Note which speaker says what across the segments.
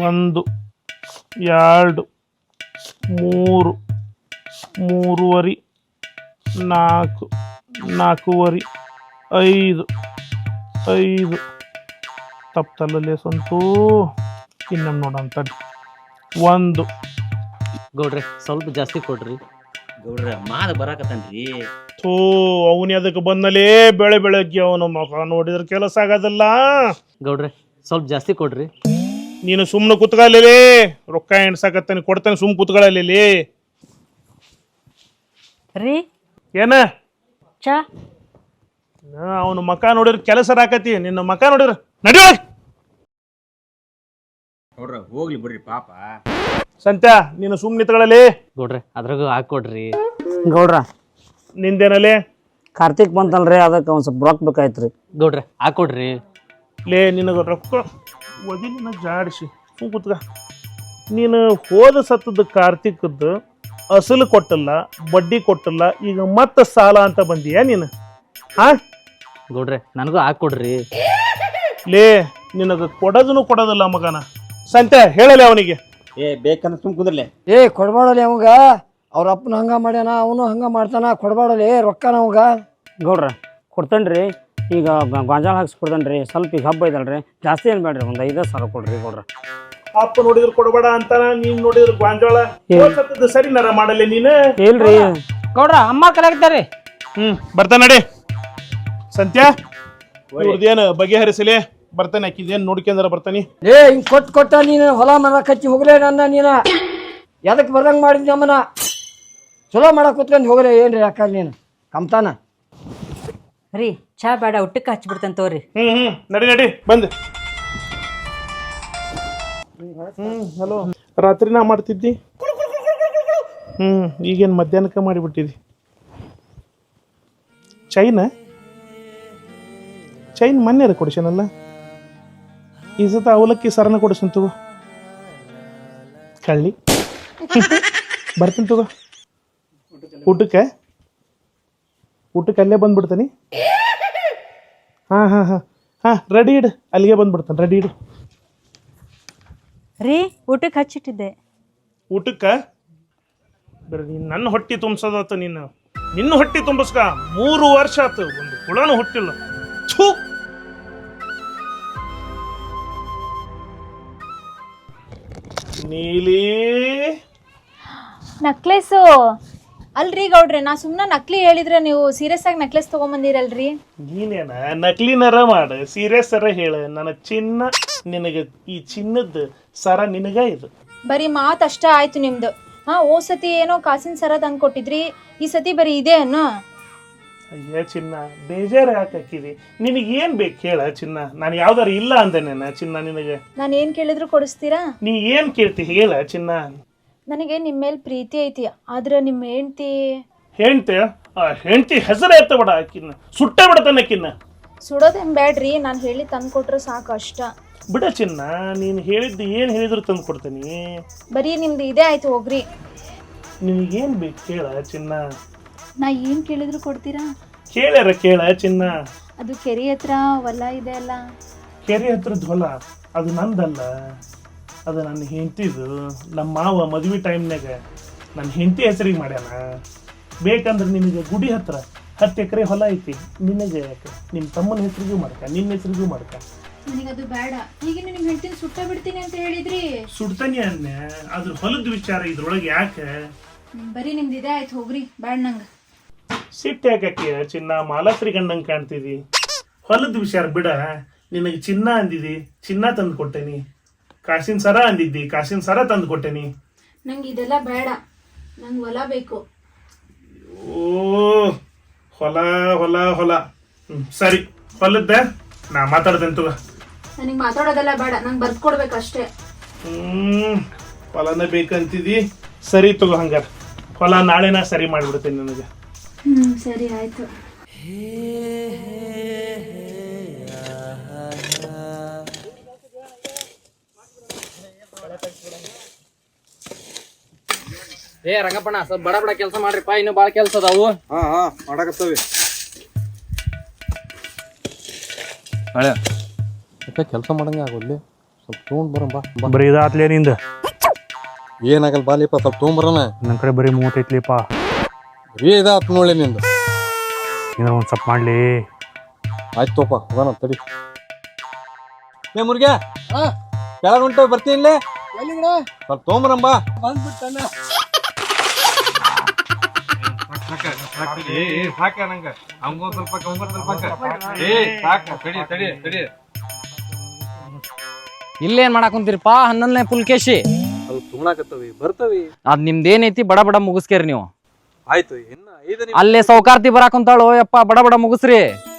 Speaker 1: 1 2 3 3.5 4 4.5 5 ತಪ್ಪಲ್ಲೇ ಸಂತು ಇನ್ನೊಂದು ನೋಡೋಣ ತಡಿ 1
Speaker 2: ಗೌಡ್ರೆ ಸ್ವಲ್ಪ ಜಾಸ್ತಿ ಕೊಡ್ರಿ.
Speaker 3: ಗೌಡ್ರ ಮಾದ ಬರಾಕತ್ತನ್ರಿ.
Speaker 1: ಥೂ ಅವನಿ ಅದಕ್ಕೆ ಬಂದಲೇ ಬೆಳಗ್ಗೆ ಅವನ ಮಗ ನೋಡಿದ್ರೆ ಕೆಲಸ ಆಗೋದಿಲ್ಲ.
Speaker 2: ಗೌಡ್ರೆ ಸ್ವಲ್ಪ ಜಾಸ್ತಿ ಕೊಡ್ರಿ.
Speaker 1: ನೀನು ಸುಮ್ಮನೆ ಕುತ್ಕೊಳ್ಳಲಿ, ರೊಕ್ಕ ಎಣ್ಸಾಕತ್ತಾನೆ ಕೊಡ್ತಾನೆ, ಸುಮ್ಮನೆ ಕುತ್ಕೊಳ್ಳಲಿ.
Speaker 4: ರೀ
Speaker 1: ಏನ
Speaker 4: ಚಾ
Speaker 1: ಅವನ ಮಕ ನೋಡಿದ್ರೆ ಕೆಲಸ ರಾಕತಿ, ನಿನ್ನ ಮಕ ನೋಡಿದ್ರೆ ನಡಿಯೋ.
Speaker 3: ಗೌಡ್ರ ಹೋಗ್ಲಿ ಬಿಡ್ರಿ ಪಾಪ.
Speaker 1: ಸಂತ್ಯಾ ನೀನು ಸುಮ್ಮನೆ ನಿತ್ಕೊಳ್ಳಲಿ.
Speaker 2: ಗೌಡ್ರೆ ಅದ್ರಾಗ ಹಾಕೊಡ್ರಿ.
Speaker 5: ಗೌಡ್ರ
Speaker 1: ನಿಂದೇನಲ್ಲಿ
Speaker 5: ಕಾರ್ತಿಕ್ ಬಂತಲ್ರಿ, ಅದಕ್ಕೆ ಒಂದು ಸ್ವಲ್ಪ ರೊಕ್ಕ ಬೇಕಾಯ್ತು ರೀ.
Speaker 2: ಗೌಡ್ರೆ ಹಾಕೊಡ್ರಿ.
Speaker 1: ಲೇ ನಿನಗೆ ರೊಕ್ಕ ಒದಿಲಿನ ಜಾಡಿಸಿ ಸುಮ್ ಕುತ್ಕ. ನೀನು ಹೋದ ಸತ್ತದ ಕಾರ್ತಿಕದ್ದು ಅಸಲು ಕೊಟ್ಟಲ್ಲ, ಬಡ್ಡಿ ಕೊಟ್ಟಲ್ಲ, ಈಗ ಮತ್ತೆ ಸಾಲ ಅಂತ ಬಂದೀಯ ನೀನು? ಹಾ
Speaker 2: ಗೌಡ್ರೆ ನನಗೂ ಹಾಕೊಡ್ರಿ.
Speaker 1: ಲೇ ನಿನಗೆ ಕೊಡೋದಿಲ್ಲ ಮಗನ. ಸಂತೆ ಹೇಳಲೆ ಅವನಿಗೆ.
Speaker 3: ಬೇಕಂದ್ರೆ ಸುಮ್ ಕುಂದ್ರಲೆ.
Speaker 5: ಕೊಡ್ಬಾಡಲಿ ಅವಾಗ, ಅವ್ರ ಅಪ್ಪನ ಹಂಗ ಮಾಡ್ಯಾನ, ಅವನು ಹಂಗ ಮಾಡ್ತಾನ, ಕೊಡ್ಬಾಡಲಿ ರೊಕ್ಕನ ಅವಾಗ. ಗೌಡ್ರ ಕೊಡ್ತೇನ್ರಿ, ಈಗ ಗಾಂಜಾಳ ಹಾಕ್ಸ್ಕೊಡ್ತೇನ್ರಿ. ಸ್ವಲ್ಪ ಈಗ ಹಬ್ಬ ಇದಲ್ರಿ, ಜಾಸ್ತಿ ಏನು ಬೇಡ್ರಿ, ಒಂದು 5,000 ಕೊಡ್ರಿ ಗೌಡ್ರ.
Speaker 1: ಅಪ್ಪ ನೋಡಿದ್ರೆ ಕೊಡಬೇಡ ಅಂತಾನ, ನೀನ್ ನೋಡಿದ್ರೆ ಗಾಂಜಾಳ. ಸರಿ ನರ ಮಾಡಲ್ಲ ನೀನು.
Speaker 5: ಇಲ್ರಿ ಗೌಡ್ರ ಅಮ್ಮ ಕಲಾಗ್ತಾರಿ.
Speaker 1: ಬರ್ತಾನ ನಡಿ ಸಂತ್ಯಾ, ಇವ್ರದ್ದೇನು ಬಗೆಹರಿಸಲಿ. ಬರ್ತಾನೆ, ಆಕಿದೇನು ನೋಡ್ಕೊಂಡ್ರ ಬರ್ತಾನಿ.
Speaker 5: ಹಿಂಗ್ ಕೊಟ್ಟ ನೀನು ಹೊಲ ಮನ ಕಚ್ಚಿ ಹೋಗ್ಲೇ ನನ್ನ ನೀನು ಎದಕ್ಕೆ ಬರ್ದಂಗೆ ಮಾಡಿದ್ನಿ ಅಮ್ಮನ. ಚಲೋ ಮಾಡಕ್ ಕುತ್ಕೊಂಡು ಹೋಗ್ಲೇ ಏನ್ರಿ ಅಕ್ಕ ನೀನು ಕಮ್ತಾನ.
Speaker 4: ರೀ ಚಾ ಬೇಡ, ಊಟಕ್ಕೆ ಹಚ್ಬಿಡ್ತೇನೆ ತೋರಿ.
Speaker 1: ನಡಿ ಬಂದ್. ಹಲೋ, ರಾತ್ರಿ ನಾ ಮಾಡ್ತಿದ್ದಿ. ಈಗೇನು ಮಧ್ಯಾಹ್ನಕ್ಕೆ ಮಾಡಿಬಿಟ್ಟಿದ್ದಿ. ಚೈನ್ ಮೊನ್ನೆ ಕೊಡಿಸನಲ್ಲ, ಈ ಸತ ಅವಲಕ್ಕಿ ಸರನ ಕೊಡಿಸ್ತೀನಿ ತಗೋ. ಕಳ್ಳಿ ಬರ್ತೀನಿ ತಗೋ. ಊಟಕ್ಕೆ ಅಲ್ಲೇ ಬಂದ್ಬಿಡ್ತಾನೆ. ಹಾಂ ರೆಡಿ ಇಡು, ಅಲ್ಲಿಗೆ ಬಂದ್ಬಿಡ್ತಾನೆ. ರೆಡಿ ಇಡು.
Speaker 4: ರೀ ಊಟಕ್ಕೆ ಹಚ್ಚಿಟ್ಟಿದ್ದೆ.
Speaker 1: ಊಟಕ್ಕೆ ಬರೀ ನೀನು ನನ್ನ ಹೊಟ್ಟೆ ತುಂಬಿಸೋದಾತ. ನಿನ್ನ ಹೊಟ್ಟೆ ತುಂಬಿಸ್ಕ 3 ವರ್ಷ ಆತು, ಒಂದು ಕುಳನೂ ಹುಟ್ಟಿಲ್ಲ. ಥೂ. ನೀಲಿ
Speaker 6: ನಕ್ಲೇಸು ಅಲ್ರಿ ಗೌಡ್ರೆ, ನಾ ಸುಮ್ಮನೆ ನಕ್ಲಿ ಹೇಳಿದ್ರೆ ನೀವು ಸೀರಿಯಸ್ ಆಗಿ ನೆಕ್ಲೆಸ್ ತೊಗೊಂಬಂದಿರಲ್ರಿ.
Speaker 1: ನೀನೇನ ನಕಲಿನರ ಮಾಡು, ಸೀರಿಯಸ್ ಸರ ಹೇಳ. ನನ್ನ ಚಿನ್ನ ನಿನಗೆ, ಈ ಚಿನ್ನದ ಸರ ನಿನಗ ಇದು.
Speaker 6: ಬರೀ ಮಾತು ಅಷ್ಟ ಆಯ್ತು ನಿಮ್ದು. ಓ ಸತಿ ಏನೋ ಕಾಸಿನ ಸರ ತಂದು ಕೊಟ್ಟಿದ್ರಿ, ಈ ಸತಿ ಬರೀ ಇದೆ ಅನ್ನೋ.
Speaker 1: ಅಯ್ಯ ಚಿನ್ನ, ಬೇಜಾರು ಹಾಕಿದಿ. ನಿನಗೇನು ಬೇಕು ಹೇಳ ಚಿನ್ನ. ನಾನು ಯಾವ್ದಾರು ಇಲ್ಲ ಅಂದೇನ ಚಿನ್ನ ನಿನಗೆ?
Speaker 6: ನಾನು ಏನು ಕೇಳಿದ್ರು ಕೊಡಿಸ್ತೀರಾ?
Speaker 1: ನೀ ಏನು ಕೇಳ್ತಿ ಹೇಳ ಚಿನ್ನ.
Speaker 6: ನನಗೆ ನಿಮ್ಮ ಮೇಲೆ ಪ್ರೀತಿ ಐತಿ, ಆದ್ರೆ ನಿಮ್ಮ
Speaker 1: ಹೆಂಡತಿ ಹೆಸರು ಎತ್ತ ಬಿಡ, ಆಕಿನ್ನ ಸುಟ್ಟ ಬಿಡತಾನಕ್ಕಿನ್ನ.
Speaker 6: ಸುಡೋದೇನು ಬೇಡ್ರಿ, ನಾನು ಹೇಳಿ ತಂದು ಕೊಟ್ರೆ ಸಾಕು ಅಷ್ಟ.
Speaker 1: ಬಿಡ ಚಿನ್ನ, ನೀನು ಹೇಳಿದ್ದು ಏನು ಹೇಳಿದ್ರು ತಂದು ಕೊಡ್ತೀನಿ.
Speaker 6: ಬರೀ ನಿಮ್ದು ಇದೇ ಆಯ್ತು ಹೋಗ್ರಿ.
Speaker 1: ನಿನಗೇನು ಬೇಕು ಕೇಳ ಚಿನ್ನ.
Speaker 6: ನಾ ಏನು ಕೇಳಿದ್ರು ಕೊಡ್ತೀರಾ?
Speaker 1: ಕೇಳ ಚಿನ್ನ.
Speaker 6: ಅದು ಕೆರೆ ಹತ್ರ ಹೊಲ ಇದೆ ಅಲ್ಲ.
Speaker 1: ಕೆರೆ ಹತ್ರದ ಹೊಲ ಅದು ನಂದಲ್ಲ, ಅದು ನನ್ನ ಹೆಂಡತಿದು. ನಮ್ಮ ಮಾವ ಮದುವೆ ಟೈಮ್ನಾಗ ನನ್ನ ಹೆಂಡತಿ ಹೆಸರಿಗೆ ಮಾಡ್ಯಾನ. ಬೇಕಂದ್ರೆ ನಿನಗೆ ಗುಡಿ ಹತ್ರ 10 ಎಕರೆ ಹೊಲ ಐತಿ. ನಿನಗೆ ಯಾಕೆ? ನಿಮ್ಮ ತಮ್ಮನ ಹೆಸರಿಗೂ ಮಾಡ್ಕ, ನಿನ್ನ ಹೆಸರಿಗೂ ಮಾಡ್ಕ.
Speaker 6: ನನಗದು ಬೇಡ. ಈಗ ನಿಮ್ಮ ಹೆಂಡತಿನ ಸುಟ್ಟ ಬಿಡ್ತೀನಿ ಅಂತ ಹೇಳಿದ್ರಿ.
Speaker 1: ಸುಡ್ತಾನೆ ಅನ್ನ, ಅದ್ರ ಹೊಲದ ವಿಚಾರ ಇದ್ರೊಳಗೆ ಯಾಕೆ?
Speaker 6: ಬರೀ ನಿಮ್ದು ಇದೇ ಆಯ್ತು ಹೋಗ್ರಿ, ಬೇಡ ನಂಗೆ.
Speaker 1: ಸಿಟ್ಟು ಯಾಕೆ ಚಿನ್ನ? ಮಾಲಾಶ್ರೀ ಗಂಡಂಗೆ ಕಾಣ್ತಿದಿ. ಹೊಲದ ವಿಚಾರ ಬಿಡ. ನಿನಗೆ ಚಿನ್ನ ಅಂದಿದಿ, ಚಿನ್ನ ತಂದು ಕೊಟ್ಟೇನಿ. ಕಾಸಿನ ಸರ ಅಂದಿದ್ದಿ, ಕಾಸಿನ ಸರ ತಂದು ಕೊಟ್ಟೇನಿ.
Speaker 6: ನಂಗೆ ಇದೆಲ್ಲ ಬೇಡ, ನಂಗೆ ಹೊಲ ಬೇಕು.
Speaker 1: ಓ ಹೊಲ ಹೊಲ ಹೊಲ. ಸರಿ, ಹೊಲದ್ದ ನಾ ಮಾತಾಡ್ತೇನೆ ತಗೋ.
Speaker 6: ನನಗೆ ಮಾತಾಡೋದೆಲ್ಲ ಬೇಡ, ನಂಗೆ ಬರ್ಕೊಡ್ಬೇಕು ಅಷ್ಟೇ.
Speaker 1: ಹೊಲನ ಬೇಕಂತಿದಿ. ಸರಿ ತಗೋ, ಹಂಗಾರ ಹೊಲ ನಾಳೆ ನಾ ಸರಿ ಮಾಡಿಬಿಡ್ತೇನೆ ನನಗೆ.
Speaker 6: ಸರಿ ಆಯ್ತು.
Speaker 2: ರಂಗಪ್ಪಣ್ಣ ಸ್ವಲ್ಪ ಬಡ ಕೆಲಸ ಮಾಡ್ರಿಪ್ಪ, ಇನ್ನು ಬಾಳ ಕೆಲಸ ಅದಾವು.
Speaker 3: ಮಾಡಕತ್ತವಿ.
Speaker 2: ಕೆಲಸ ಮಾಡಂಗೆ ಆಗೋದ್ಲಿ.
Speaker 7: ಸ್ವಲ್ಪ ತೊಗೊಂಡ್ ಬಾ
Speaker 8: ಬರೀ ಇದಾತ್ಲೇ ನಿಂದ
Speaker 7: ಏನಾಗಲ್ಲ ಬಾಲಿಪ್ಪ ಸ್ವಲ್ಪ ತೊಗೊಂಬರೋಣ
Speaker 8: ನನ್ನ ಕಡೆ ಬರೀ 35ಲಿಪ್ಪ
Speaker 7: ಬರೀ ಇದಾತ್ ನೋಡಿ ನಿಂದು
Speaker 8: ಏನಾರ ಒಂದು ಸ್ವಲ್ಪ ಮಾಡಲಿ
Speaker 7: ಆಯ್ತು ತೋಪ ಹೋಗೋಣ ತಡಿ ಏ ಮುರ್ಗ್ಯಾ ಕೆಳಗೆ ಹೊಂಟು ಬರ್ತೀನಿ ಇಲ್ಲೇ ಸ್ವಲ್ಪ ತೊಗೊಂಬರಮ್ಮ
Speaker 2: ಇಲ್ಲೇನ್ ಮಾಡಾಕ್ ಕುಂತೀರಿಪ್ಪ 11ನೇ ಪುಲ್ಕೇಶಿ
Speaker 3: ಸ್ವಲ್ಪ ತುಣಾಕತ್ತವಿ ಬರ್ತವಿ.
Speaker 2: ಅದ್ ನಿಮ್ದೇನೈತಿ ಬಡ ಬಡ ಮುಗಿಸ್ಕೇರಿ ನೀವು.
Speaker 3: ಆಯ್ತು ಇನ್ನ 5 ನಿಮಿಷ
Speaker 2: ಅಲ್ಲೇ ಸೌಕಾರ್ತಿ ಬರಾಕ್ ಕುಂತಾಳು ಯಪ್ಪ ಬಡ ಬಡ ಮುಗಿಸ್ರಿ.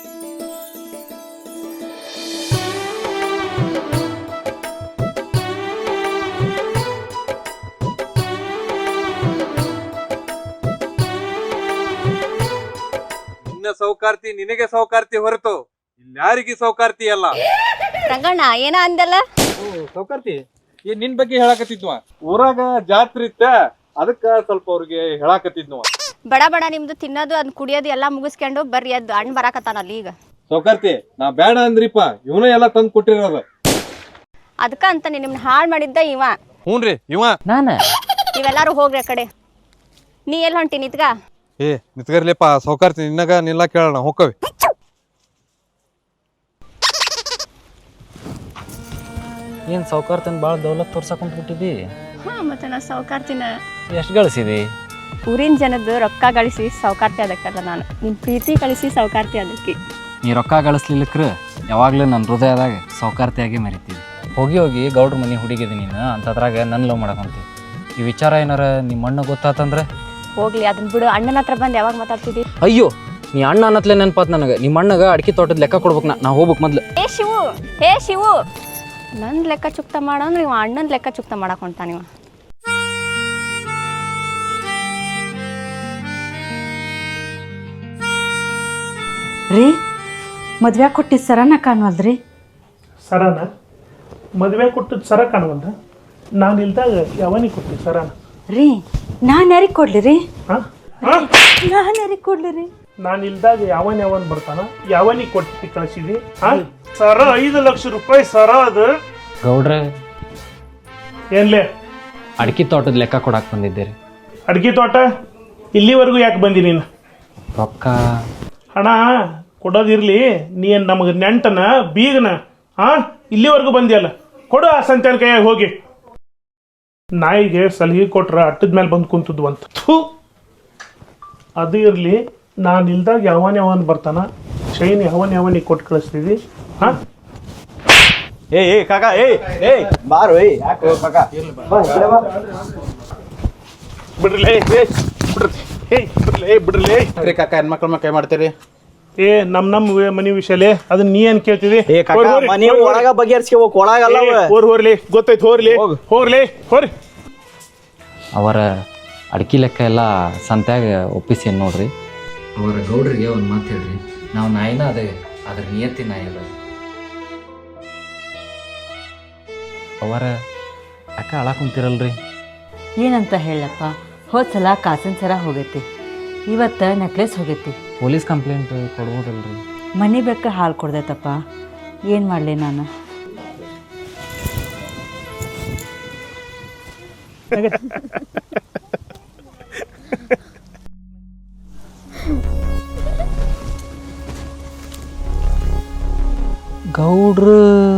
Speaker 3: ನಿನ್ನ ಸೌಕಾರ್ತಿ ನಿನಗೆ ಸೌಕಾರ್ತಿ ಹೊರತು ಇಲ್ಲಿ ಯಾರಿಗೆ ಸೌಕಾರ್ತಿ ಅಲ್ಲ.
Speaker 9: ರಂಗಣ್ಣ ಏನ ಅಂದಲ್ಲ
Speaker 3: ಸೌಕಾರ್ತಿ ಏನ್ ನಿನ್ ಬಗ್ಗೆ ಹೇಳಾಕತ್ತಿದ್ವ ಊರಾಗ ಜಾತ್ರೆ ಇತ್ತ ಅದಕ್ಕ ಸ್ವಲ್ಪ ಅವ್ರಿಗೆ ಹೇಳಾಕತ್ತಿದ್ವ.
Speaker 9: ಬಡ ಬಡ ನಿಮ್ದು ತಿನ್ನೋದು ಅದ್ ಕುಡಿಯೋದು ಎಲ್ಲಾ ಮುಗಿಸ್ಕೊಂಡು ಬರ್ರಿ ಅದ್ ಹಣ್ಣು ಬರಾಕತ್ತಾನಲ್ಲಿ ಈಗ.
Speaker 3: ಸೌಕಾರ್ತಿ ನಾ ಬೇಡ ಅಂದ್ರಿಪ್ಪ ಇವನ ಎಲ್ಲಾ ತಂದ್ ಕೊಟ್ಟಿರೋದು.
Speaker 9: ಅದಕ್ಕ ಅಂತ ನಿಮ್ನ ಹಾಳ್ ಮಾಡಿದ್ದ ಇವ.
Speaker 3: ಹ್ಞೂನ್ರಿ ಇವ
Speaker 2: ನಾನ
Speaker 9: ನೀವೆಲ್ಲಾರು ಹೋಗ್ರಿ ಆ ಕಡೆ. ನೀ ಎಲ್ಲಿ ಹೊಂಟಿ ನಿತ್ಗ?
Speaker 7: ಏ ನಿತ್ಗರ್ಲಿಪ್ಪ ಸೌಕಾರ್ತಿ ನಿನ್ನಗ ನಿಲ್ಲ ಕೇಳೋಣ ಹೋಕ್ಕವಿ.
Speaker 2: ಏನ್ ಸೌಕಾರ್ತನ್ ಬಾಳ ದೌಲತ್ ತೋರ್ಸಕ್ ಕುಂತ್ಬಿಟ್ಟಿದಿ.
Speaker 9: ಹಾ ಮತ್ತೆ ನಾ ಸೌಕಾರ್ತಿನ
Speaker 2: ಎಷ್ಟ್ ಗಳಿಸಿದಿ?
Speaker 9: ಊರಿನ ಜನದ್ದು ರೊಕ್ಕ ಗಳಿಸಿ ಸೌಕಾರ್ತಿ ಅದಕ್ಕಲ್ಲ ನಾನು ನಿಮ್ ಪ್ರೀತಿ ಕಳಿಸಿ ಸೌಕಾರ್ತಿ ಅದಕ್ಕೆ.
Speaker 2: ನೀ ರೊಕ್ಕ ಗಳಿಸ್ಲಿಲ್ಲಕ್ರ ಯಾವಾಗ್ಲೂ ನನ್ನ ಹೃದಯದಾಗ ಸೌಕಾರ್ತಿಯಾಗಿ ಮೆರಿತೀವಿ. ಹೋಗಿ ಹೋಗಿ ಗೌಡ್ರ ಮನೆ ಹುಡುಗಿದಿ ನೀನು ಅಂತದ್ರಾಗ ನನ್ನ ಲವ್ ಮಾಡಕಂತಿ. ಈ ವಿಚಾರ ಏನಾರ ನಿಮ್ಮ ಅಣ್ಣ ಗೊತ್ತಾತಂದ್ರೆ?
Speaker 9: ಹೋಗ್ಲಿ ಅದನ್ನ ಬಿಡು. ಅಣ್ಣನ ಹತ್ರ ಬಂದು ಯಾವಾಗ ಮಾತಾಡ್ತಿದ್ದಿ?
Speaker 2: ಅಯ್ಯೋ ನೀ ಅಣ್ಣ ಅನ್ನತ್ಲೆ ನೆನಪಾತ್ ನನಗೆ. ನಿಮ್ಮ ಅಣ್ಣಗ ಅಡಿಕೆ ತೋಟದ ಲೆಕ್ಕ ಕೊಡ್ಬೇಕು. ನಾ ಹೋಗ್ಬೇಕು ಮೊದ್ಲು.
Speaker 9: ಏ ಶಿವು ನನ್ ಲೆಕ್ಕ ಚುಕ್ತ ಮಾಡಂದ್ರೆ ಇವ ಅಣ್ಣನ ಲೆಕ್ಕ ಚುಕ್ತ ಮಾಡಕ್ ಹೊಂಟಾನ ಇವ.
Speaker 4: ರೀ ಮದ್ವೆ ಕೊಟ್ಟಿದ್ದು ಸರನ ಕಾಣವಲ್ದ್ರಿ?
Speaker 1: ಸರನ ಮದುವೆ ಕೊಟ್ಟದ್ದು ಸರ ಕಾಣವಲ್ದ? ನಾನು ಇಲ್ದಾಗ ಯಾವನಿಗೆ ಕೊಟ್ಟಿದ್ದು ಸರನ?
Speaker 4: ರೀ ನಾನು ಯಾರಿಗೆ ಕೊಡ್ಲಿ ರೀ?
Speaker 1: ಹಾಂ
Speaker 4: ನಾನು ಯಾರಿಗೆ ಕೊಡ್ಲಿ ರೀ?
Speaker 1: ನಾನು ಇಲ್ದಾಗ ಯಾವನ್ ಬರ್ತಾನ? ಯಾವನಿಗೆ ಕೊಟ್ಟು ಕಳಿಸಿದಿ? ಹಾಂ ಸರ 5 ಲಕ್ಷ ರೂಪಾಯಿ ಸರ ಅದು.
Speaker 2: ಗೌಡ್ರೆ
Speaker 1: ಏನ್ಲೇ
Speaker 2: ಅಡಿಕೆ ತೋಟದ ಲೆಕ್ಕ ಕೊಡಾಕ್ ಬಂದಿದ್ದೀರಿ.
Speaker 1: ಅಡ್ಗೆ ತೋಟ ಇಲ್ಲಿವರೆಗೂ ಯಾಕೆ ಬಂದಿ ನೀನು?
Speaker 2: ರೊಕ್ಕ
Speaker 1: ಹಣ ಕೊಡೋದಿರ್ಲಿ, ನೀನು ನಮಗೆ ನೆಂಟನ ಬೀಗನ? ಹಾಂ ಇಲ್ಲಿವರೆಗೂ ಬಂದಿಯಲ್ಲ, ಕೊಡು ಆ ಸಂತ್ಯಾನ ಕೈಯಾಗ ಹೋಗಿ. ನಾಯಿಗೆ ಸಲಿಗೆ ಕೊಟ್ರ ಅಟ್ಟದ ಮೇಲೆ ಬಂದು ಕುಂತದ್ವು ಅಂತ. ಥೂ ಅದು ಇರಲಿ, ನಾನು ಇಲ್ದಾಗ ಯಾವನ್ ಬರ್ತಾನ? ಶೈನ್ ಯಾವನಿಗೆ ಕೊಟ್ಟು ಕಳಿಸ್ತೀವಿ? ಹಾಂ
Speaker 3: ಏ ಕಾಕ ಬಾರು ಯಾಕೆ ಕಾಕ
Speaker 1: ಬಿಡ್ರಲೇ ಬಿಡ್ರಲೇ
Speaker 3: ಕಾಕ ಹೆಣ್ಮಕ್ಳ ಕೈ ಮಾಡ್ತೀರಿ?
Speaker 1: ಏ ನಮ್ಮ ಮನಿ ವಿಷಯಲೇ ಅದನ್ನ ನೀ ಏನ್ ಕೇಳ್ತಿದಿ?
Speaker 3: ಒಳಗ ಬಗೆಹರಿಸ್ಕೋಬೇಕು, ಒಳಗಲ್ಲ.
Speaker 1: ಹೋರ್ಲಿ ಗೊತ್ತೈತಿ, ಹೋಗ್ಲಿ
Speaker 2: ಅವರ ಅಡಿಕೆ ಲೆಕ್ಕ ಎಲ್ಲ ಸಂತ್ಯಾಗ ಒಪ್ಪಿಸಿ ನೋಡ್ರಿ. ಅವರ ಗೌಡ್ರಿಗೆ ಒಂದು ಮಾತು ಹೇಳ್ರಿ, ನಾವು ನಾಯಿನ ಅದೇ ಅದ್ರ ನಿಯತ್ತಿ ನಾಯಿ ಅಲ್ಲ. ಅವರ ಅಕ್ಕ ಅಳಾಕುಂತಿರಲ್ರಿ?
Speaker 4: ಏನಂತ ಹೇಳಪ್ಪ, ಹೋದ ಸಲ ಕಾಸಿನ ಸರ ಹೋಗೈತಿ, ಇವತ್ತು ನೆಕ್ಲೆಸ್ ಹೋಗೈತಿ.
Speaker 2: ಪೊಲೀಸ್ ಕಂಪ್ಲೇಂಟ್ ಕೊಡ್ಬೋದಲ್ರಿ?
Speaker 4: ಮನೆ ಬೆಕ್ಕ ಹಾಲು ಕೊಡ್ದೈತಪ್ಪ, ಏನು ಮಾಡಲಿ ನಾನು?
Speaker 2: ಗೌಡ್ರು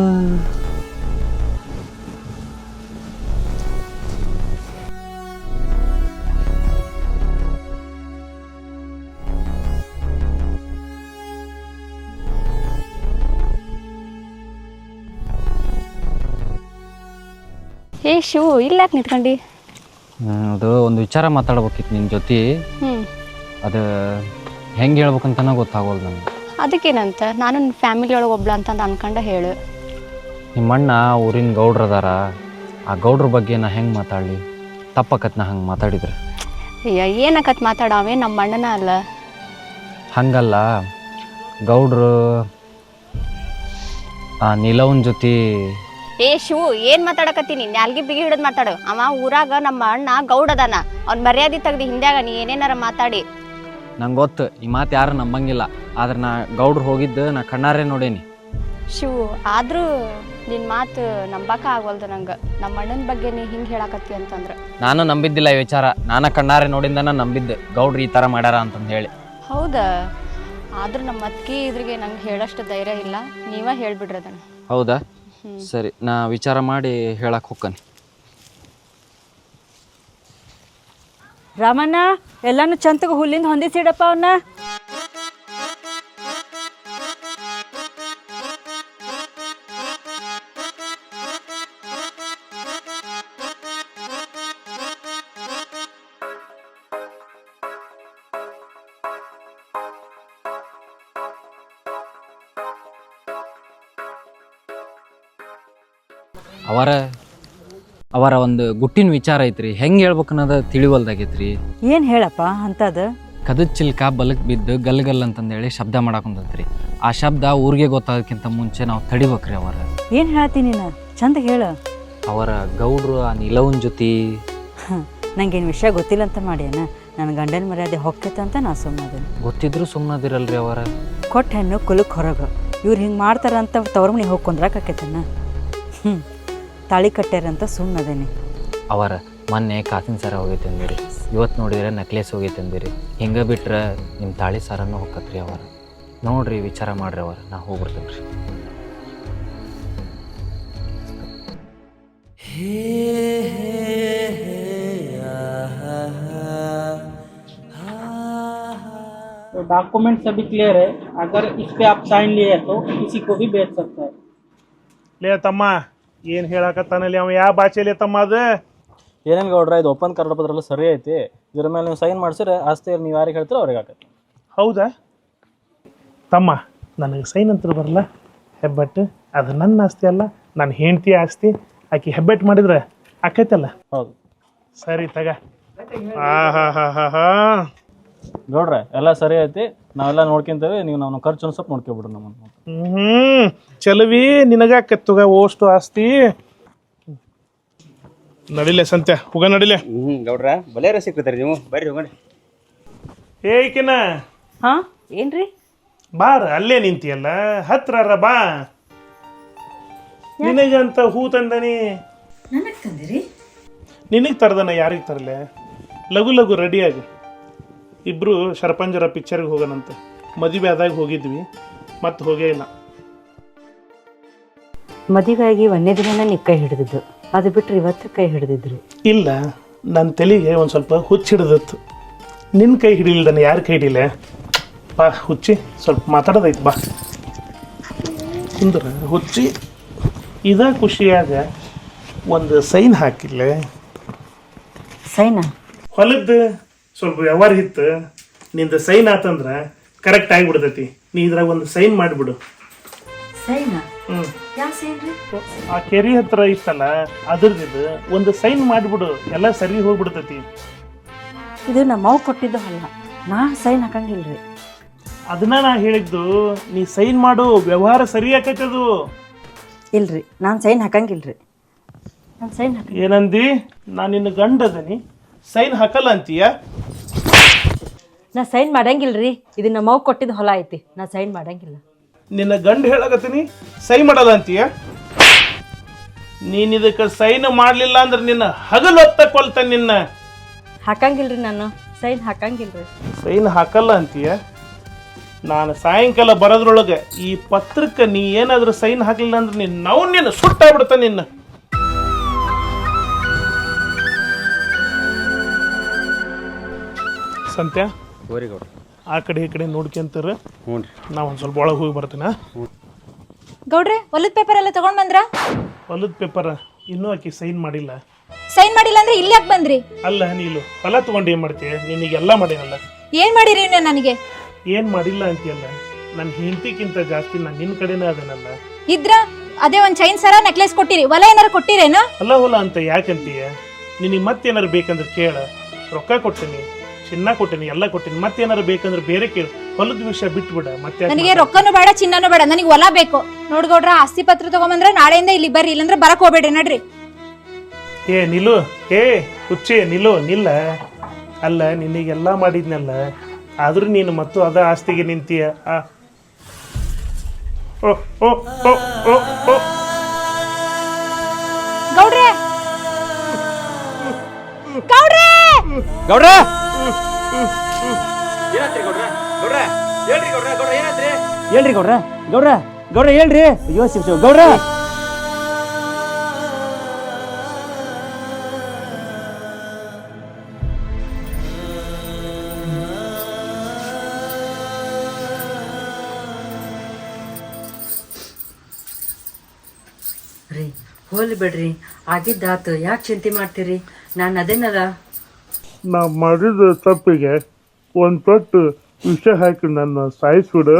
Speaker 9: ಏ ಶಿವು ಇಲ್ಲಾಕ್ ನಿಂತ್ಕೊಂಡಿ?
Speaker 2: ಅದು ಒಂದು ವಿಚಾರ ಮಾತಾಡ್ಬೇಕಿತ್ತು ನಿನ್ನ ಜೊತೆ.
Speaker 9: ಹ್ಮ್
Speaker 2: ಅದು ಹೆಂಗೆ ಹೇಳ್ಬೇಕಂತನ ಗೊತ್ತಾಗೋದು ನನಗೆ.
Speaker 9: ಅದಕ್ಕೇನಂತ, ನಾನು ಫ್ಯಾಮಿಲಿ ಒಳಗೆ ಒಬ್ಳ ಅಂತಂದು ಅನ್ಕೊಂಡ ಹೇಳು.
Speaker 2: ನಿಮ್ಮಣ್ಣ ಊರಿನ ಗೌಡ್ರು ಅದಾರ, ಆ ಗೌಡ್ರ ಬಗ್ಗೆ ನಾ ಹೆಂಗೆ ಮಾತಾಡಲಿ? ತಪ್ಪಕತ್ ನಾ ಹಂಗೆ ಮಾತಾಡಿದ್ರೆ?
Speaker 9: ಅಯ್ಯ ಏನಕತ್ ಮಾತಾಡವೇ, ನಮ್ಮ ಅಣ್ಣನ ಅಲ್ಲ.
Speaker 2: ಹಂಗಲ್ಲ, ಗೌಡ್ರು ಆ ನೀಲವನ್ ಜೊತೆ.
Speaker 9: ಏ ಶಿವು ಏನ್ ಮಾತಾಡಕತ್ತೀನಿ? ನಾಲ್ಗಿ ಬಿಗಿ ಹಿಡಿದ್ ಮಾತಾಡು. ಅವ ಊರಾಗ ನಮ್ಮ ಅಣ್ಣ ಗೌಡ ಅದಾನ, ಅವ್ನ ಮರ್ಯಾದೆ ತೆಗ್ದು ಹಿಂದ್ಯಾಗ ನೀ ಏನೇನಾರ ಮಾತಾಡಿ.
Speaker 2: ನಂಗೆ ಗೊತ್ತು ಈ ಮಾತು ಯಾರು ನಂಬಂಗಿಲ್ಲ, ಆದ್ರೆ ನಾ ಗೌಡ್ರು ಹೋಗಿದ್ದು ನಾ ಕಣ್ಣಾರೆ ನೋಡೇನಿ.
Speaker 9: ಶಿವು ಆದ್ರೂ ನಿನ್ನ ಮಾತು ನಂಬಕ ಆಗವಲ್ದು ನಂಗೆ ನಮ್ಮ ಅಣ್ಣನ ಬಗ್ಗೆ ನೀ ಹಿಂಗೆ ಹೇಳಕತ್ತಿ ಅಂತಂದ್ರೆ.
Speaker 2: ನಾನು ನಂಬಿದ್ದಿಲ್ಲ ಈ ವಿಚಾರ. ನಾನು ಕಣ್ಣಾರೆ ನೋಡಿಂದನ ನಂಬಿದ್ದೆ ಗೌಡ್ರು ಈ ಥರ ಮಾಡ್ಯಾರ ಅಂತಂದು ಹೇಳಿ.
Speaker 9: ಹೌದಾ? ಆದ್ರೆ ನಮ್ಮ ಅತ್ತಿಗೆ ಇದ್ರಿಗೆ ನಂಗೆ ಹೇಳೋಷ್ಟು ಧೈರ್ಯ ಇಲ್ಲ. ನೀವೇ ಹೇಳ್ಬಿಡ್ರಿ ಅದನ್ನು.
Speaker 2: ಹೌದಾ? ಸರಿ, ನಾ ವಿಚಾರ ಮಾಡಿ ಹೇಳಕ್ಕೆ ಹೋಗ್ಕನಿ.
Speaker 4: ರಾಮಣ್ಣ ಎಲ್ಲಾನು ಚಂತಗ ಹುಲ್ಲಿಂದ ಹೊಂದಿಸಿಡಪ್ಪ ಅವನ್ನ.
Speaker 2: ಅವರ ಒಂದು ಗುಟ್ಟಿನ ವಿಚಾರ ಐತ್ರಿ, ಹೆಂಗೆ ಹೇಳ್ಬೇಕು ಅನ್ನೋದು ತಿಳಿವಲ್ದಾಗೈತ್ರಿ.
Speaker 4: ಏನು ಹೇಳಪ್ಪ ಅಂತದ?
Speaker 2: ಕದದ ಚಿಲ್ಕ ಬಲಕ್ ಬಿದ್ದು ಗಲ್ ಅಂತಂದೇಳಿ ಶಬ್ದ ಮಾಡಾಕೊಂತೈತ್ರಿ. ಆ ಶಬ್ದ ಊರಿಗೆ ಗೊತ್ತಾಗೋಕ್ಕಿಂತ ಮುಂಚೆ ನಾವು ತಡಿಬೇಕ್ರಿ. ಅವರ
Speaker 4: ಏನು ಹೇಳ್ತೀನಿ ನೀನು? ಚಂದ ಹೇಳು.
Speaker 2: ಅವರ ಗೌಡ್ರು ಆ ನಿಲವನ್ ಜೊತೆ
Speaker 4: ನಂಗೇನು ವಿಷಯ ಗೊತ್ತಿಲ್ಲ ಅಂತ ಮಾಡ್ಯಾನ. ನನ್ನ ಗಂಡನ ಮರ್ಯಾದೆ ಹೊಕ್ಕೈತಂತ ನಾ ಸುಮ್ಮನೆ.
Speaker 2: ಗೊತ್ತಿದ್ರು ಸುಮ್ಮನದಿರಲ್ರಿ. ಅವರ
Speaker 4: ಕೊಟ್ಟ ಹೆಣ್ಣು ಕುಲಕ್ಕೆ ಹೊರಗೆ. ಇವ್ರು ಹಿಂಗೆ ಮಾಡ್ತಾರಂತ ತವ್ರ ಮನೆ ಹೋಗಿ ಕುಂದ್ರಾಕೈತನ. ತಾಳಿ ಕಟ್ಟ್ಯಾರಂತ ಸುಮ್ಮನದೇನೆ.
Speaker 2: ಅವರ ಮೊನ್ನೆ ಕಾಸಿನ ಸರ ಹೋಗೈತೆ ಅಂದಿರಿ, ಇವತ್ತು ನೋಡಿದ್ರೆ ನೆಕ್ಲೆಸ್ ಹೋಗೈತೆ ಅಂದಿರಿ. ಹಿಂಗೆ ಬಿಟ್ರೆ ನಿಮ್ಮ ತಾಳಿ ಸರನೂ ಹೋಗತ್ರಿ. ಅವರ ನೋಡ್ರಿ, ವಿಚಾರ ಮಾಡ್ರಿ. ಅವರ ನಾ ಹೋಗ್ಬಿಡ್ತೇನೆ ರೀ.
Speaker 5: तो डॉक्यूमेंट सभी क्लियर है। अगर इस पे आप साइन लिए तो किसी को भी बेच सकता है।
Speaker 1: ಲೇ ತಮ್ಮ, ಏನು ಹೇಳಕತ್ತಾನಲ್ಲಿ ಅವ? ಯಾವ ಭಾಷೆಲಿ ತಮ್ಮ ಅದು?
Speaker 10: ಏನೇನು ಗೌಡ್ರ, ಇದು ಒಪ್ಪಂದ ಕರಡ ಪತ್ರ ಎಲ್ಲ ಸರಿ ಐತಿ. ಇದ್ರ ಮೇಲೆ ನೀವು ಸೈನ್ ಮಾಡಿಸಿದ್ರೆ ಆಸ್ತಿ ನೀವು ಯಾರಿಗೆ ಹೇಳ್ತೀರೋ ಅವ್ರಿಗೆ ಆಗತ್ತೆ.
Speaker 1: ಹೌದಾ ತಮ್ಮ? ನನಗೆ ಸೈನ್ ಅಂತ ಬರಲ್ಲ. ಹೆಬ್ಬಟ್ಟು ಅದು ನನ್ನ ಆಸ್ತಿ ಅಲ್ಲ, ನನ್ನ ಹೆಂಡತಿ ಆಸ್ತಿ. ಆಕೆ ಹೆಬ್ಬೆಟ್ಟು ಮಾಡಿದ್ರೆ ಆಕೈತಲ್ಲ.
Speaker 10: ಹೌದು.
Speaker 1: ಸರಿ ತಗ. ಹಾ
Speaker 10: ಗೌಡ್ರೆ ಎಲ್ಲ ಸರಿ ಐತಿ, ನಾವೆಲ್ಲ ನೋಡ್ಕೊಂತೇವೆ. ನೀವು ನಾವು ಖರ್ಚು ಸ್ವಲ್ಪ ನೋಡ್ಕೊಬಿಡ್ರಿ ನಮ್ಮನ್ನು.
Speaker 1: ಚಲವಿ ನಿನಗಾಕತ್ತುಗ ಓಷ್ಟು ಆಸ್ತಿ. ನಡಿಲೆ ಸಂತ್ಯ, ಹೋಗ ನಡಿಲೆ.
Speaker 11: ಗೌಡ್ರ ಬಲೇರ ಸಿಕ್ಕಿದ್ರಿ ನೀವು, ಬರ್ರಿ ಹೋಗೋಣ.
Speaker 1: ಏಕಿನ
Speaker 4: ಹಾಂ ಏನ್ರಿ?
Speaker 1: ಬಾರ, ಅಲ್ಲೇ ನಿಂತಿಯಲ್ಲ, ಹತ್ರ ಬಾ. ನಿನಗಂತ ಹೂ ತಂದನಿ.
Speaker 4: ನನಗೆ ತಂದಿರಿ?
Speaker 1: ನಿನಗೆ ತರದನ, ಯಾರಿಗೆ ತರಲೆ? ಲಘು ಲಘು ರೆಡಿಯಾಗಿ ಇಬ್ಬರು ಶರಪಂಜರ ಪಿಕ್ಚರ್ಗೆ ಹೋಗೋಣಂತೆ. ಮದುವೆ ಆದಾಗ ಹೋಗಿದ್ವಿ, ಮತ್ತೆ ಹೋಗೇ ಇಲ್ಲ.
Speaker 4: ಮದುವೆಯಾಗಿ ಒಂದೇ ದಿನ ನೀವು ಕೈ ಹಿಡಿದಿದ್ದು, ಅದು ಬಿಟ್ಟರೆ ಇವತ್ತು ಕೈ ಹಿಡಿದಿದ್ರು.
Speaker 1: ಇಲ್ಲ, ನನ್ನ ತಲೆಗೆ ಒಂದು ಸ್ವಲ್ಪ ಹುಚ್ಚು ಹಿಡಿದಿತ್ತು. ನಿನ್ನ ಕೈ ಹಿಡಿಲಿಲ್ಲ, ಯಾರು ಕೈ ಹಿಡಿಲ್ಲ? ಬಾ ಹುಚ್ಚಿ, ಸ್ವಲ್ಪ ಮಾತಾಡೋದೈತೆ. ಬಾ ಕುಂದ್ರ ಹುಚ್ಚಿ. ಇದ ಖುಷಿಯಾಗ ಒಂದು ಸೈನ್ ಹಾಕಿಲ್ಲ.
Speaker 4: ಸೈನಾ?
Speaker 1: ಹೊಲದ್ದು ಸ್ವಲ್ಪ ವ್ಯವಹಾರ ಇತ್ತು, ನಿಂದ ಸೈನ್ ಆತಂದ್ರೆ ಕರೆಕ್ಟ್ ಆಗಿಬಿಡ್ತೈತಿ. ನೀ ಇದ್ರಾಗ ಒಂದು ಸೈನ್ ಮಾಡಿಬಿಡು.
Speaker 4: ಸೈನಾ? ಯಾವ ಸೈನ್ ರೀ?
Speaker 1: ಆ ಕೆರೆ ಹತ್ರ ಇತ್ತಲ್ಲ, ಅದ್ರದ್ದು ಒಂದು ಸೈನ್ ಮಾಡಿಬಿಡು, ಎಲ್ಲ ಸರಿ ಹೋಗ್ಬಿಡ್ತೈತಿ.
Speaker 4: ಇದು ನಮ್ಮವ್ ಕೊಟ್ಟಿದ್ದು ಅಲ್ಲ, ನಾ ಸೈನ್ ಹಾಕಂಗಿಲ್ರಿ.
Speaker 1: ಅದನ್ನ ನಾ ಹೇಳಿದ್ದು, ನೀ ಸೈನ್ ಮಾಡು, ವ್ಯವಹಾರ ಸರಿ ಆಕೈತದು.
Speaker 4: ಇಲ್ರಿ, ನಾನು ಸೈನ್ ಹಾಕಂಗಿಲ್ರಿ. ನಾನು ಸೈನ್ ಹಾಕ.
Speaker 1: ಏನಂದಿ? ನಾನು ನಿನ್ನ ಗಂಡ ಅದನಿ, ಸೈನ್ ಹಾಕಲ್ಲ ಅಂತೀಯ?
Speaker 4: ನಾ ಸೈನ್ ಮಾಡಂಗಿಲ್ರಿ. ಇದು ನಮ್ಮವ್ ಕೊಟ್ಟಿದ್ದು ಹೊಲ ಐತಿ, ನಾ ಸೈನ್ ಮಾಡಂಗಿಲ್ಲ.
Speaker 1: ನಿನ್ನ ಗಂಡ ಹೇಳಕತ್ತೀನಿ, ಸೈನ್ ಮಾಡಲ್ಲ ಅಂತೀಯ? ನೀನ್ ಇದಕ್ಕೆ ಸೈನ್ ಮಾಡಲಿಲ್ಲ ಅಂದ್ರೆ ನಿನ್ನ ಹಗಲು ಹೊತ್ತ ಕೊಲ್ತಾನೆ. ನಿನ್ನ
Speaker 4: ಹಾಕಂಗಿಲ್ರಿ, ನಾನು ಸೈನ್ ಹಾಕಂಗಿಲ್ರಿ.
Speaker 1: ಸೈನ್ ಹಾಕಲ್ಲ ಅಂತೀಯ? ನಾನು ಸಾಯಂಕಾಲ ಬರೋದ್ರೊಳಗೆ ಈ ಪತ್ರಕ್ಕೆ ನೀ ಏನಾದರೂ ಸೈನ್ ಹಾಕಲಿಲ್ಲ ಅಂದ್ರೆ ನಿನ್ನ ಸುಟ್ಟಾಗ್ಬಿಡ್ತಾನೆ. ನಿನ್ನ ಸಂತ್ಯ, ಆ ಕಡೆ ಈ ಕಡೆ ನೋಡ್ಕೊಂತಾರ. ನಾ ಒಂದು ಸ್ವಲ್ಪ ಒಳಗೆ ಹೋಗಿ ಬರ್ತೀನ.
Speaker 6: ಗೌಡ್ರೆ, ಹೊಲದ ಪೇಪರ್ ಎಲ್ಲ ತಗೊಂಡ್ ಬಂದ್ರ?
Speaker 1: ಹೊಲದ ಪೇಪರ್ ಇನ್ನೂ ಆಕಿ ಸೈನ್ ಮಾಡಿಲ್ಲ.
Speaker 6: ಸೈನ್ ಮಾಡಿಲ್ಲ ಅಂದ್ರೆ ಇಲ್ಲಿ ಯಾಕೆ ಬಂದ್ರಿ?
Speaker 1: ಅಲ್ಲ, ನೀನು ಹೊಲ ತಗೊಂಡು ಏನ್ ಮಾಡ್ತೀಯ? ನಿನಗೆಲ್ಲ ಮಾಡೇನಲ್ಲ.
Speaker 6: ಏನ್ ಮಾಡಿರಿ ನೀವು ನನಗೆ?
Speaker 1: ಏನ್ ಮಾಡಿಲ್ಲ ಅಂತೀಯಲ್ಲ, ನನ್ನ ಹೆಂಡತಿಗಿಂತ ಜಾಸ್ತಿ ನಾನು ನಿನ್ನ ಕಡೆನೇ ಅದನಲ್ಲ.
Speaker 6: ಇದ್ರ ಅದೇ ಒಂದ್ ಚೈನ್ ಸರ ನೆಕ್ಲೆಸ್ ಕೊಟ್ಟಿರಿ, ಹೊಲ ಏನಾರ ಕೊಟ್ಟಿರೇನ?
Speaker 1: ಅಲ್ಲ ಹೊಲ ಅಂತ ಯಾಕಂತೀಯ? ನಿನಗೆ ಮತ್ತೇನಾರು ಬೇಕಂದ್ರೆ ಕೇಳ, ರೊಕ್ಕ ಕೊಟ್ಟಿನಿ, ಚಿನ್ನ ಕೊಟ್ಟಿನಿ, ಎಲ್ಲ ಕೊಟ್ಟಿನಿ. ಮತ್ತೇನಾರು ಬೇಕಂದ್ರೆ ಬೇರೆ ಕೇಳು. ಹೊಲದ ವಿಷಯ ಬಿಟ್ಬಿಡ. ಮತ್ತೆ
Speaker 6: ನನಗೆ ರೊಕ್ಕನೂ ಬೇಡ, ಚಿನ್ನನೂ ಬೇಡ, ನನಗೆ ಹೊಲ ಬೇಕು. ನೋಡ್ಗೌಡ್ರ, ಆಸ್ತಿ ಪತ್ರ ತಗೊಂಬಂದ್ರೆ ನಾಳೆಯಿಂದ ಇಲ್ಲಿ ಬರ್ರಿ, ಇಲ್ಲಂದ್ರೆ ಬರಕ್ ಹೋಗ್ಬೇಡ್ರಿ. ನಡ್ರಿ.
Speaker 1: ಏ ನಿಲ್ಲು, ಏ ಹುಚ್ಚೆ ನಿಲ್ಲು, ನಿಲ್ಲ. ಅಲ್ಲ, ನಿನಗೆಲ್ಲ ಮಾಡಿದ್ನಲ್ಲ, ಆದ್ರೂ ನೀನು ಮತ್ತು ಅದ ಆಸ್ತಿಗೆ ನಿಂತೀಯ.
Speaker 9: ಗೌಡ್ರೆ
Speaker 11: ಗೌಡ್ರ ಏನಾತ್ರಿ ಗೌಡ್ರ ಗೌಡ್ರ ಹೇಳ್ರಿ ಗೌಡ್ರ ಗೌಡ್ರ ಏನಾತ್ರಿ
Speaker 5: ಹೇಳ್ರಿ ಗೌಡ್ರ ಗೌಡ್ರ ಗೌಡ್ರ ಹೇಳ್ರಿ ಅಯ್ಯೋ ಶಿವ ಶಿವ ಗೌಡ್ರ
Speaker 4: ರೀ ಹೋಲಿ ಬಿಡ್ರಿ ಆಗಿದ್ದಾತು ಯಾಕೆ ಚಿಂತೆ ಮಾಡ್ತೀರಿ ನಾನು ಅದೇನಲ್ಲ
Speaker 1: ನಾ ಮಾಡಿದ ತಪ್ಪಿಗೆ ಒಂದು ಪಟ್ಟು ವಿಷ ಹಾಕಿ ನನ್ನ ಸಾಯಿಸ್ಬಿಡು.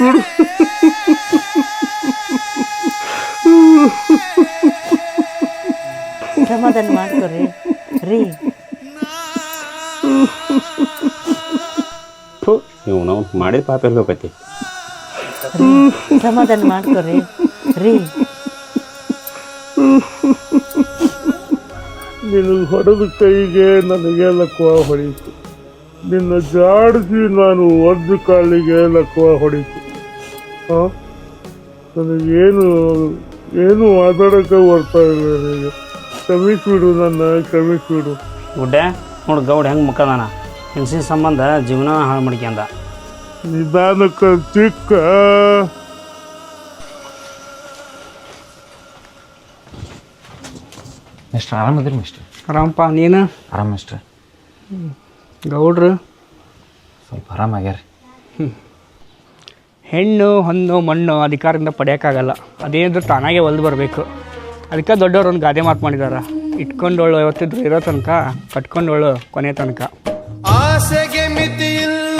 Speaker 4: ಸಮಾಧಾನ ಮಾಡ್ಕೊರಿ ರೀ.
Speaker 11: ನೀವು ನಾವು ಮಾಡಿದ ಪಾಪ ಎಲ್ಲಿ ಹೋಗತಿ
Speaker 4: ಸಮಾಧಾನ ಮಾಡ್ಕೊರಿ ರೀ.
Speaker 1: ನಿನಗೆ ಹೊಡೆದ ಕೈಗೆ ನನಗೆ ಲಕ್ವ ಹೊಡೀತು, ನಿನ್ನ ಜಾಡಿಸಿ ನಾನು ಒದ್ದು ಕಾಲಿಗೆ ಲಕ್ವ ಹೊಡೀತು. ಹಾಂ, ನನಗೇನು ಏನು ಮಾತಾಡೋಕ್ಕೆ ಬರ್ತಾ ಇಲ್ಲ. ನನಗೆ ಕ್ಷಮಿಸ್ಬಿಡು, ನನ್ನ ಕ್ಷಮಿಸ್ಬಿಡು.
Speaker 5: ಗುಡ್ಡೆ ನೋಡಿ ಗೌಡ ಹೆಂಗೆ ಮುಖದಾನ ಹೆಂಗಸಿನ ಸಂಬಂಧ ಜೀವನ ಹಾಳು ಮಾಡ್ಕ್ಯಂದ.
Speaker 1: ನಿಧಾನಕ್ಕೆ ಚಿಕ್ಕ
Speaker 2: ಮಿಸ್ಟರ್ ಆರಾಮದಿರಿ ಮಿಸ್ಟರ್?
Speaker 5: ಆರಾಮಪ್ಪ ನೀನು?
Speaker 2: ಆರಾಮ ಮಿಸ್ಟರ್.
Speaker 5: ಗೌಡ್ರು
Speaker 2: ಸ್ವಲ್ಪ ಆರಾಮಾಗ್ಯಾರಿ.
Speaker 5: ಹೆಣ್ಣು ಹೊನ್ನು ಮಣ್ಣು ಅಧಿಕಾರದಿಂದ ಪಡೆಯೋಕ್ಕಾಗಲ್ಲ, ಅದೇನಿದ್ರು ತಾನಾಗೆ ಒಲ್ದು ಬರಬೇಕು. ಅದಕ್ಕೆ ದೊಡ್ಡವರು ಒಂದು ಗಾದೆ ಮಾತು ಮಾಡಿದಾರ, ಇಟ್ಕೊಂಡೋಳು ಯಾವತ್ತಿದ್ರು ಇರೋ ತನಕ, ಕಟ್ಕೊಂಡೋಳು ಕೊನೆ ತನಕ.
Speaker 12: ಆಸೆಗೆ ಮಿತಿ ಇಲ್ಲ